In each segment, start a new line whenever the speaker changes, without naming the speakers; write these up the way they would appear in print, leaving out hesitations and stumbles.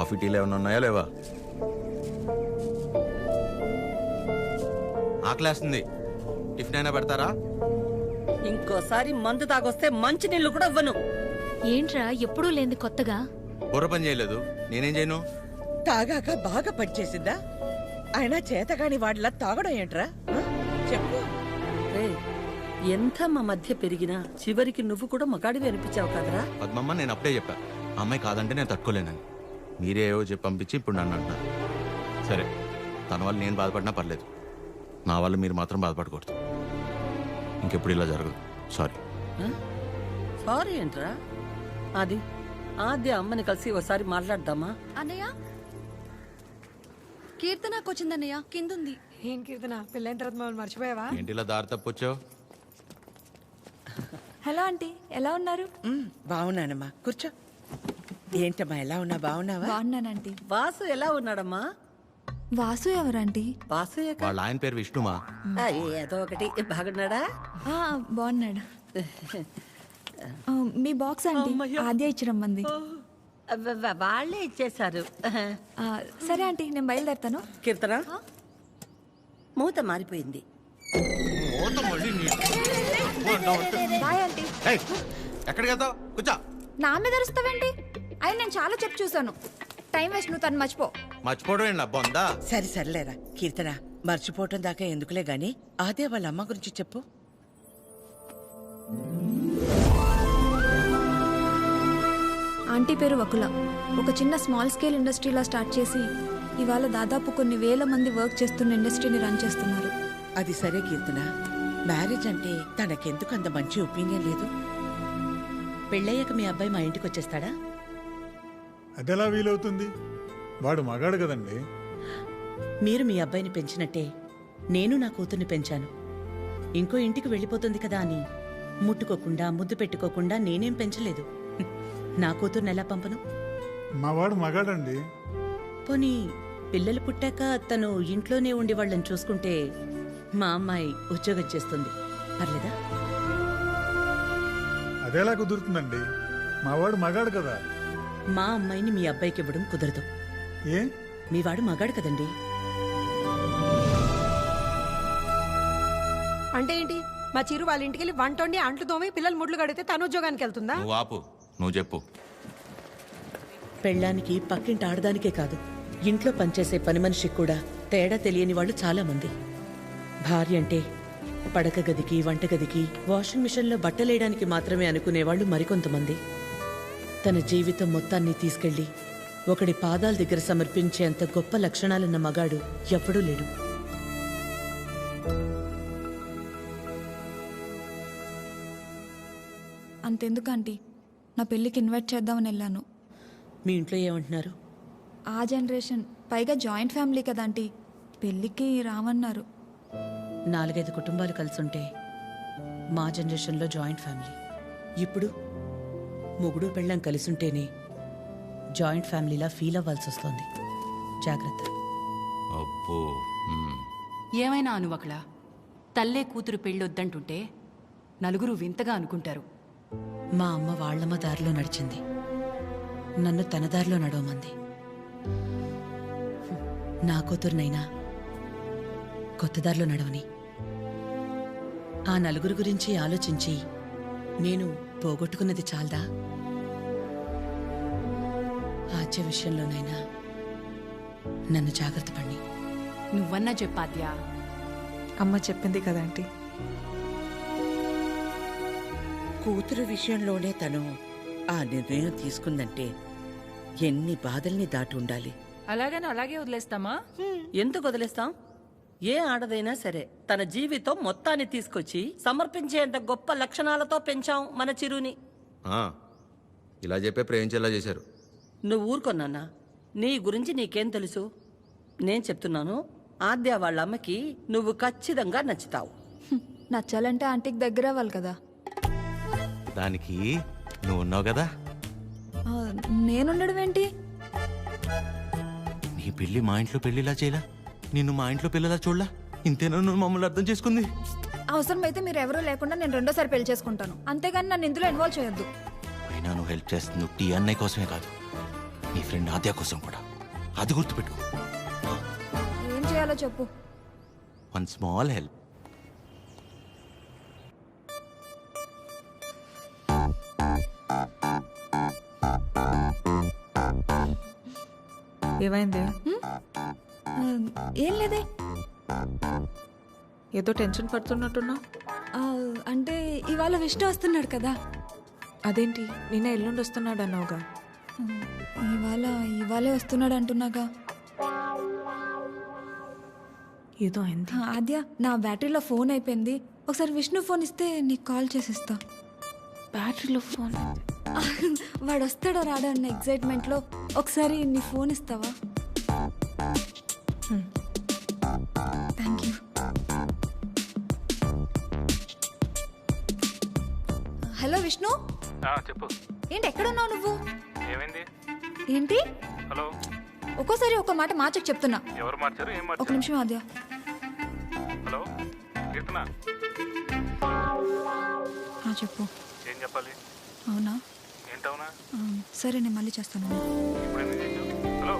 Coffee టీలు ఏమైనా ఉన్నాయా లేవా? ఆకలేస్తుంది, టిఫిన్ అయినా పెడతారా?
ఇంకోసారి మందు తాగొస్తే మంచి నీళ్లు కూడా ఇవ్వను.
ఏంట్రా ఎప్పుడూ లేని కొత్తగా?
బుర్ర పని చేయలేదు, నేనేం చేయను?
తాగాక బాగా పనిచేసిందా? అయినా చేతగాని వాడిలా తాగడం ఏంట్రా? చెప్పు.
రేయ్, ఎంత మా మధ్య పెరిగినా చివరికి నువ్వు కూడా మగాడివి అనిపించావు కదరా.
పద్మమ్మ, నేను అప్పుడే చెప్పా ఆ అమ్మాయి కాదంటే నేను తట్టుకోలేనని. మీరే ఏవో చెప్పి పంపించి ఇప్పుడు నన్ను అంటున్నారు. సరే, తన వల్ల నేను బాధపడినా పర్లేదు, నా వల్ల మీరు మాత్రం బాధపడకూడదు. ఇంకెప్పుడు ఇలా జరగదు. సారీ.
సారీ ఏంట్రా? అది ఆద్య అమ్మని కలిసి ఒకసారి మాట్లాడదామా?
అన్నయ్య, కీర్తనకు వచ్చిందన్నయ్య, కిందుంది.
ఏం కీర్తన, పెళ్ళైన తర్వాత మమ్మల్ని మర్చిపోయావా?
ఏంటి ఇలా దారి తప్పొచ్చావు?
హలో ఆంటీ, ఎలా ఉన్నారు?
బాగున్నానమ్మా, కూర్చో. ఏంటమ్మా, ఎలా ఉన్నా? బాగున్నావా?
బాగున్నానంటీ.
వాసు ఎలా ఉన్నాడమ్మా?
వాసు ఎవరంటీ?
వాసు
వాళ్ళ ఆయన పేరు విష్ణుమా?
ఏదో ఒకటి. బాగున్నాడా?
బాగున్నాడు. మీ బాక్స్ ఆంటీ, ఆద్య ఇచ్చిరమ్మంది.
వాళ్ళే ఇచ్చేశారు.
సరే ఆంటీ, నేను బయలుదేరుతాను.
కీర్తన, మూత మారిపోయింది.
Bye aunty.
ఎక్కడికి వెళ్తావు? కూర్చో.
నా మీద అరుస్తావేంటి? అయినా నేను చాలా చెప్పు చూసాను. టైం వేస్ట్, నువ్వు తను మర్చిపో.
మర్చిపోవడం ఏంటి బొందా?
సరే సర్లేరా కీర్తన, మర్చిపోవటం దాకా ఎందుకులే గాని అదే వాళ్ళ అమ్మ గురించి చెప్పు.
ఆంటీ పేరు వకుల. ఒక చిన్న స్మాల్ స్కేల్ ఇండస్ట్రీలా స్టార్ట్ చేసి ఇవాళ దాదాపు కొన్ని వేల మంది వర్క్ చేస్తున్న ఇండస్ట్రీని రన్ చేస్తున్నారు.
అది సరే కీర్తన, మ్యారేజ్ అంటే తనకెందుకు అంత మంచి ఒపీనియన్ లేదు?
పెళ్ళయ్యాక మీ అబ్బాయి మా ఇంటికి వచ్చేస్తాడా?
అదెలా వీలవుతుంది? వాడు మగాడు కదండి.
మీరు మీ అబ్బాయిని పెంచినట్టే నేను నా కూతుర్ని పెంచాను. ఇంకో ఇంటికి వెళ్ళిపోతుంది కదా అని ముట్టుకోకుండా ముద్దు పెట్టుకోకుండా నేనేం పెంచలేదు. నా కూతుర్ని ఎలా పంపను?
మా వాడు మగాడండి.
పోనీ పిల్లలు పుట్టాక తను ఇంట్లోనే ఉండి వాళ్ళని చూసుకుంటే మా అమ్మాయి ఉద్యోగం చేస్తుంది, పర్లేదా?
అదెలా కుదురుతుందండి? మా వాడు మగాడు కదా.
మా అమ్మాయిని మీ అబ్బాయికి ఇవ్వడం కుదరదు.
ఏ?
మీ వాడు మగాడు కదండి.
అంటే ఏంటి? మా చిరు వాళ్ళ ఇంటికి వెళ్ళి వంట వండి అంట్లు తోమి పిల్లలు ముడ్లు కడితే తను ఉద్యోగానికి వెళ్తుందా?
నువ్వు ఆపు, నువ్వు చెప్పు.
పెళ్ళానికి పక్కింటి ఆడదానికే కాదు, ఇంట్లో పనిచేసే పని మనిషికి కూడా తేడా తెలియని వాళ్ళు చాలా మంది. భార్య అంటే పడక గదికి, వంటగదికి, వాషింగ్ మిషన్లో బట్టలేయడానికి మాత్రమే అనుకునేవాళ్ళు మరికొంతమంది. తన జీవితం మొత్తాన్ని తీసుకెళ్లి ఒకడి పాదాల దగ్గర సమర్పించేంత గొప్ప లక్షణాలున్న మగాడు ఎప్పుడూ లేడు.
అంతెందుకు ఆంటీ, నా పెళ్ళికి ఇన్వైట్ చేద్దామని వెళ్ళాను.
మీ ఇంట్లో ఏమంటున్నారు?
ఆ జనరేషన్, పైగా జాయింట్ ఫ్యామిలీ కదా ఆంటీ, పెళ్ళికి రామన్నారు.
4-5 కుటుంబాలు కలిసుంటే మా జనరేషన్లో జాయింట్ ఫ్యామిలీ. ఇప్పుడు మొగుడు పెళ్ళం కలిసుంటేనే జాయింట్ ఫ్యామిలీలా ఫీల్ అవ్వాల్సి వస్తుంది. జాగ్రత్త.
అబ్బో.
ఏమైనా అనువకళ, తల్లే కూతురు పెళ్ళొద్దంటుంటే నలుగురు వింతగా అనుకుంటారు.
మా అమ్మ వాళ్ళమ్మ దారిలో నడిచింది, నన్ను తన దారిలో నడవమంది. నా కూతురునైనా కొత్త దారిలో నడవని. ఆ నలుగురు గురించి ఆలోచించి నేను పోగొట్టుకున్నది చాలదా? ఆద్య విషయంలోనైనా నన్ను జాగ్రత్త పడి.
నువ్వన్నా చెప్పాద్యా.
అమ్మ చెప్పింది కదా ఆంటీ.
కూతురు విషయంలోనే తను ఆ నిర్ణయం తీసుకుందంటే ఎన్ని బాధల్ని దాటి ఉండాలి.
అలాగని అలాగే వదిలేస్తామా?
ఎందుకు వదిలేస్తాం? ఏ ఆడదైనా సరే తన జీవితం మొత్తాన్ని తీసుకొచ్చి సమర్పించేంత గొప్ప లక్షణాలతో పెంచాం మన చిరుని.
ఇలా చెప్పే ప్రేమించేలా చేశారు.
నువ్వు ఊరుకొన్నానా? నీ గురించి నీకేం తెలుసు? నేను చెప్తున్నాను, ఆద్య వాళ్ళ అమ్మకి నువ్వు ఖచ్చితంగా నచ్చుతావు.
నచ్చాలంటే ఆంటీకి దగ్గర అవ్వాలి కదా.
దానికి నువ్వు ఉన్నావు కదా.
నేనుండడం ఏంటి?
నీ పెళ్లి మా ఇంట్లో పెళ్లిలా చేయలా, నిన్ను మా ఇంట్లో పిల్లలా చూడలా. ఇంతేనా నువ్వు మమ్మల్ని అర్థం చేసుకుంది?
అవసరమైతే మీరు ఎవరూ లేకుండా నేను రెండోసారి పెళ్లి చేసుకుంటాను, అంతేగాని నన్ను ఇందులో ఇన్వాల్వ్ చేయొద్దు.
అయినా నువ్వు హెల్ప్ చేస్తుంది టీ అన్నయ్య కోసమే కాదు, నీ ఫ్రెండ్ ఆద్య కోసం కూడా. అది గుర్తుపెట్టుకో.
ఏం చేయాలో చెప్పు.
One small help.
ఏమైంది?
ఆ, ఏం లేదే.
ఏదో టెన్షన్ పడుతున్నట్టున్నా.
ఆ, అంటే ఇవాళ విష్ణు వస్తున్నాడు కదా.
అదేంటి నిన్న ఎల్లుండి వస్తున్నాడు అన్నావుగా?
ఇవాళే వస్తున్నాడు అంటున్నాగా.
ఏదో అయింది.
ఆద్య, నా బ్యాటరీలో ఫోన్ అయిపోయింది. ఒకసారి విష్ణు ఫోన్ ఇస్తే నీకు కాల్ చేసిస్తా.
బ్యాటరీలో ఫోన్.
వాడు వస్తాడో రాడో అన్న ఎగ్జైట్మెంట్లో ఒకసారి నీ ఫోన్ ఇస్తావా? Thank you. హలో విష్ణు.
చెప్పు.
ఏంటి ఎక్కడున్నావు నువ్వు?
ఏమైంది?
ఏంటి
హలో.
ఒక్కోసారి ఒక మాట మార్చకు చెప్తున్నా.
ఎవరు మార్చారు? ఏం
ఒక
మార్చారు?
నిమిషం ఆద్య.
హలో కీర్తన,
చెప్పు.
ఏం చెప్పాలి?
అవునా?
ఏంటవునా?
సరే నేను మళ్ళీ చేస్తాను.
ఇప్పుడు ఎందుకు చేసావు? హలో.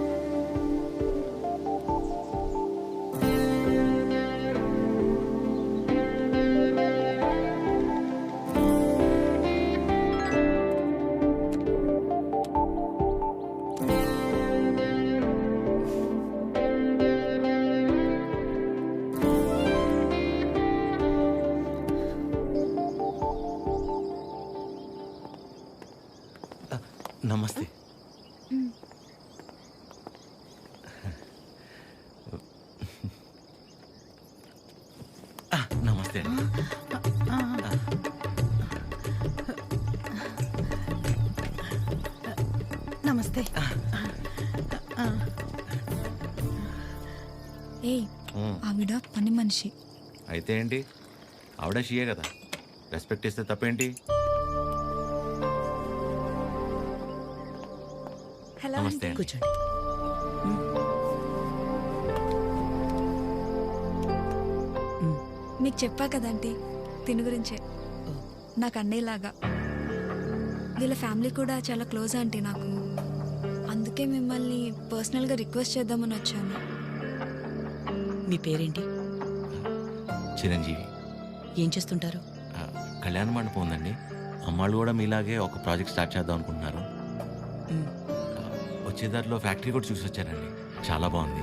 నమస్తే. నమస్తే అండి.
నమస్తే.
ఏయ్, ఆవిడ పని మనిషి.
అయితే ఏంటి, ఆవిడ షియే కదా, రెస్పెక్ట్ ఇస్తే తప్పేంటి?
హలో
నమస్తే.
కూర్చోండి.
మీకు చెప్పా కదంటీ తిని గురించే. నాకు అన్నయ్యలాగా. వీళ్ళ ఫ్యామిలీ కూడా చాలా క్లోజ్ ఆంటీ నాకు. అందుకే మిమ్మల్ని పర్సనల్గా రిక్వెస్ట్ చేద్దామని వచ్చాను.
మీ పేరేంటి?
చిరంజీవి.
ఏం చేస్తుంటారు?
కళ్యాణ మండపం ఉందండి. అమ్మాళ్ళు కూడా మీలాగే ఒక ప్రాజెక్ట్ స్టార్ట్ చేద్దాం అనుకుంటున్నారు. వచ్చేదారిలో ఫ్యాక్టరీ కూడా చూసి వచ్చానండి, చాలా బాగుంది.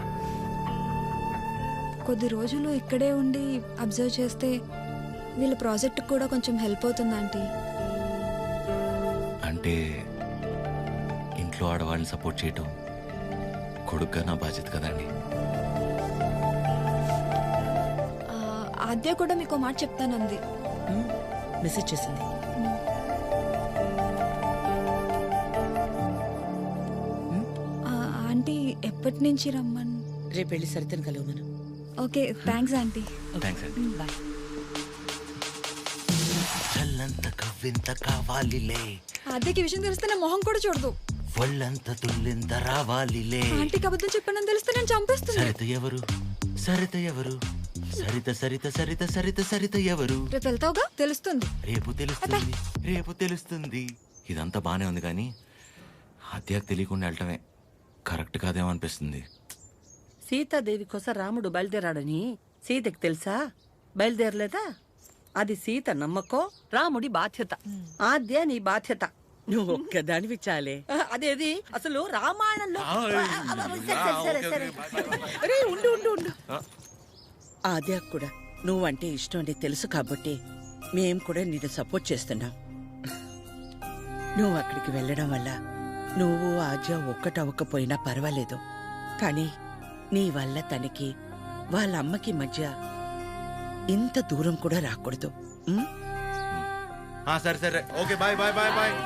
కొద్ది రోజులు ఇక్కడే ఉండి అబ్జర్వ్ చేస్తే వీళ్ళ ప్రాజెక్ట్ కూడా కొంచెం హెల్ప్ అవుతుంది ఆంటీ.
అంటే ఇంట్లో ఆడవాళ్ళని సపోర్ట్ చేయటం కొడుగ్గా నా బాధ్యత కదండి.
ఆద్య కూడా మీకు మాట చెప్తానంది.
మెసేజ్ చేసింది.
ఆంటీ ఎప్పటి నుంచి రమ్మని?
రేపు వెళ్ళి సరితను కలవమను.
Okay, thanks aunty.
థ్యాంక్స్ అండి.
బాయ్.
చల్లంత కవ్వింత కావాలిలే,
ఆద్యకి విషయం తెలిస్తే నా మొహం కూడా చూడదు.
ఒళ్ళంత తుల్లింత రావాలిలే.
ఆంటీకి అబద్ధం చెప్పానని తెలిస్తే నేను చంపేస్తుంది.
సరిత ఎవరు? సరిత ఎవరు? సరిత సరిత సరిత సరిత సరిత ఎవరు?
రేపు వెళ్తావుగా, తెలుస్తుంది.
రేపు తెలుస్తుంది, రేపు తెలుస్తుంది. ఇదంతా బానే ఉంది కానీ హత్యకు తెలియకుండా వెళ్ళటమే కరెక్ట్ కాదేమో అనిపిస్తుంది.
సీతాదేవి కోసం రాముడు బయలుదేరాడని సీతకి తెలుసా? బయలుదేరలేదా? అది సీత నమ్మకం, రాముడి బాధ్యత. ఆద్య నీ బాధ్యత.
నువ్వు ఒక్కదానివి చాలే.
అదేది అసలు రామాయణంలో. సరే, సరే.
అరే ఉండు ఉండు ఉండు. ఆద్య కూడా నువ్వంటే ఇష్టం అని తెలుసు కాబట్టి మేం కూడా నిన్ను సపోర్ట్ చేస్తున్నాం. నువ్వు అక్కడికి వెళ్ళడం వల్ల నువ్వు ఆద్య ఒక్కటవ్వకపోయినా పర్వాలేదు, కానీ నీ వల్ల తనకి వాళ్ళ అమ్మకి మధ్య ఇంత దూరం కూడా రాకూడదు.
సరే సరే, okay, bye bye bye bye.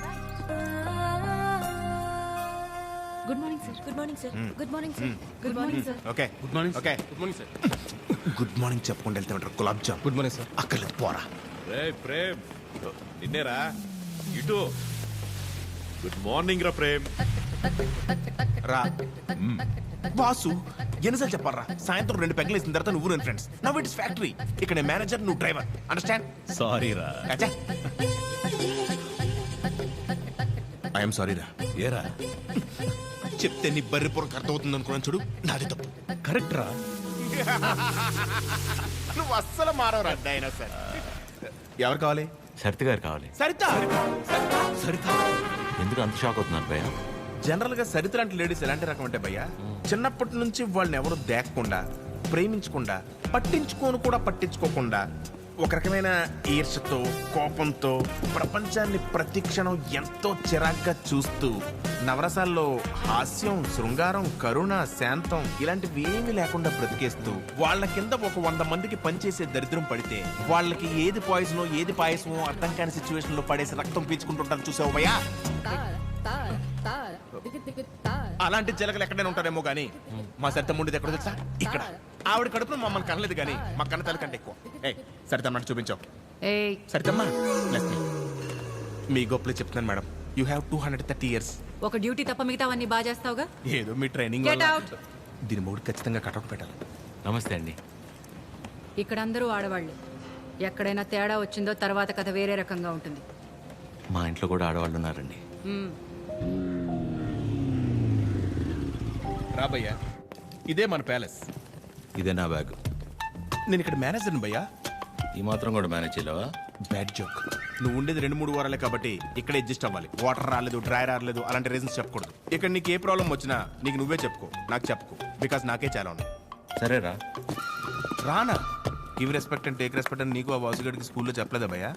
Good morning sir. Good morning sir. Good morning sir. Good morning sir.
Okay, good morning. Okay, good morning sir.
Good morning చెప్పుకుంటూ వెళ్తే ఉంటారు గులాబ్ జామ్.
Good morning sir.
అక్కర్లేదు, పోరా.
రే ప్రేమ్, నిన్నేరా ఇటు. గుడ్ మార్నింగ్ రా ప్రేమ్.
రా బాసు, ఎన్నిసార్లు చెప్పాలరా? సాయంత్రం 2 పెగ్గలు వేసిన తర్వాత నువ్వు నేను ఫ్రెండ్స్. Now it's factory. ఇక్కడ నేను మేనేజర్, నువ్వు డ్రైవర్. అండర్స్టాండ్?
సారీ రా.
ఐఎమ్ సారీ రా.
ఏరా
చెప్తే నీ బర్రి పొరకు అర్థమవుతుంది అనుకున్నాను చూడు, నాది తప్పు.
కరెక్ట్ రా.
నువ్వు అస్సలు మారవరా అయినా సరే. ఎవరు కావాలి?
సరిత గారు కావాలి.
సరిత.
సరిత
ఎందుకు అంత షాక్ అవుతున్నారు భయ్య?
జనరల్ గా సరిత లాంటి లేడీస్ ఎలాంటి రకం అంటే భయ్యా, చిన్నప్పటి నుంచి వాళ్ళని ఎవరు దేకకుండా, ప్రేమించకుండా, పట్టించుకోకుండా ఒక రకమైన ఈర్షతో, కోపంతో ప్రపంచాన్ని ప్రతి క్షణం ఎంతో చిరాగ్గా చూస్తూ, నవరసాల్లో హాస్యం, శృంగారం, కరుణ, శాంతం ఇలాంటివి ఏమీ లేకుండా బ్రతికేస్తూ వాళ్ళ కింద ఒక 100 మందికి పనిచేసే దరిద్రం పడితే వాళ్ళకి ఏది పాయిజనో ఏది పాయసమో అర్థం కాని సిచ్యువేషన్ లో పడేసి రక్తం పీల్చుకుంటుంటారు చూసావు భయ్యా. అలాంటి జలగలు ఎక్కడైనా ఉంటారేమో గానీ మా సరిత ముండిది ఎక్కడ తెలుసా? ఇక్కడ. ఆవిడ కడుపులో మమ్మల్ని కనలేదు కానీ మా కన్న తల్లి కంటే ఎక్కువ. సరిత అన్నట్టు చూపించావు. సరితమ్మా మీ గొప్పలు చెప్తున్నాను మేడం. You have 230 years.
ఒక డ్యూటీ తప్ప మిగతావన్నీ బాగా చేస్తావుగా.
ఏదో మీ ట్రైనింగ్
Get out.
దీని మూడు ఖచ్చితంగా కటౌట్ పెట్టాలి.
నమస్తే అండి.
ఇక్కడ అందరూ ఆడవాళ్ళే. ఎక్కడైనా తేడా వచ్చిందో తర్వాత కథ వేరే రకంగా ఉంటుంది.
మా ఇంట్లో కూడా ఆడవాళ్ళు ఉన్నారండి.
రాబయ్యా, ఇదే మన ప్యాలెస్.
ఇదే నా బ్యాగ్.
నేను ఇక్కడ మేనేజర్ని భయ్యా.
ఈ మాత్రం కూడా మేనేజ్ చేయలేవా?
Bad joke. నువ్వు ఉండేది 2-3 వారాలే కాబట్టి ఇక్కడ అడ్జస్ట్ అవ్వాలి. వాటర్ రాలేదు, డ్రై రాలేదు అలాంటి రీజన్స్ చెప్పకూడదు. ఇక్కడ నీకు ఏ ప్రాబ్లం వచ్చినా నీకు నువ్వే చెప్పుకో, నాకు చెప్పుకో. బికాస్ నాకే చాలా ఉన్నాయి.
సరేరా.
రానా? Give respect and take respect అని నీకు ఆ వాసుగడికి స్కూల్లో చెప్పలేదా భయ్యా?